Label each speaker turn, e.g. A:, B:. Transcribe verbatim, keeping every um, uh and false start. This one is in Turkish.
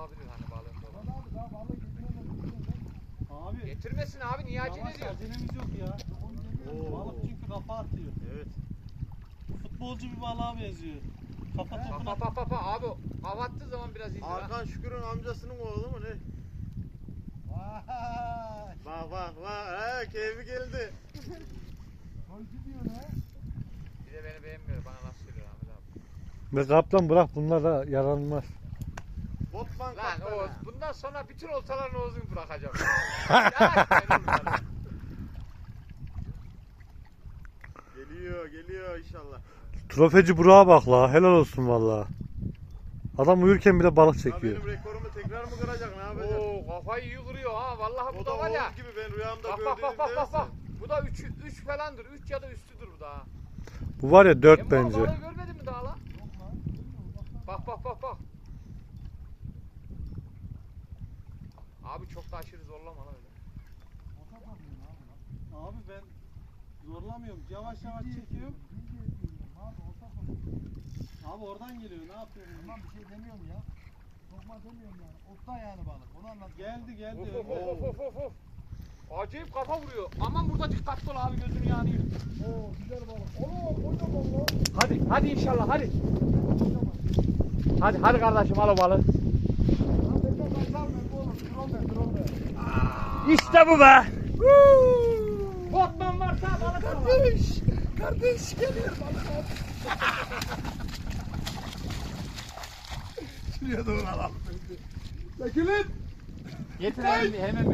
A: olabilir hani balığın dolu.
B: Lan abi daha balık getiremez.
C: Abi.
A: Getirmesin abi niye acele
C: Yavaş
A: ediyor?
C: acelemiz yok ya.
B: Oo.
C: Balık çünkü kafa atıyor.
B: Evet.
C: Futbolcu bir balığa benziyor. Kafa
A: Pa
C: topuna.
A: pa pa pa abi hava attığı zaman biraz indir ha.
B: Hakan Şükür'ün amcasının oğlu mu ne?
D: Vay.
B: Bak bak bak. He keyfi geldi.
D: Golcü diyor ne?
A: Bir de beni beğenmiyor bana nasıl söylüyor Ahmet abi.
E: Ve kaplan bırak bunlar da yaranmaz.
B: Botman
A: Lan
B: kaptanı.
A: Oğuz bundan sonra bütün oltaların Oğuz'unu bırakacağım. Ya, benim bunlar.
B: Geliyor geliyor inşallah.
E: Trofeci Burak'a bak la, helal olsun valla. Adam uyurken bile balık
B: Ya
E: çekiyor.
B: benim rekorumu tekrar mı kıracak ne yapacak?
A: Oo kafayı iyi kırıyor ha vallahi bu
B: O
A: da
B: da
A: var ya.
B: Oğuz gibi ben rüyamda
A: Bak
B: gördüğüm
A: bak bak bak bak bak.
B: neyse.
A: Bu da üç üç falandır. üç ya da üstüdür bu da ha.
E: Bu var ya dört
A: Emre
E: bence.
A: balığı görmedin mi daha lan?
D: Yok lan.
A: Bak bak bak bak. Abi çok da aşırı zorlama lan öyle.
D: Ota bakıyorum abi lan.
C: Abi ben zorlamıyorum. Yavaş yavaş çekiyorum.
D: Bilgi ediyorum abi ota bakıyorum.
C: Abi oradan geliyor. Ne yapıyorsun?
D: Tamam bir şey demiyorum ya. Sokma demiyorum yani. Otta yani balık. Onu anlat.
C: Geldi geldi.
A: Of of
C: önde.
A: of of of of. Acayip kafa vuruyor. Aman burada dikkatli ol abi gözün yanıyor.
D: Oo güzel balık. Oo kocaman lan.
A: Hadi hadi inşallah hadi. Hadi hadi kardeşim al o balığı.
D: Lan bekle kaçar mı bu oğlum? Drone de drone de.
A: İşte bu be. Botman varsa balık al.
D: Kardeş. Kardeş geliyor balık al. Şuraya doğru alalım. Çekilin.
A: Getir hemen, hemen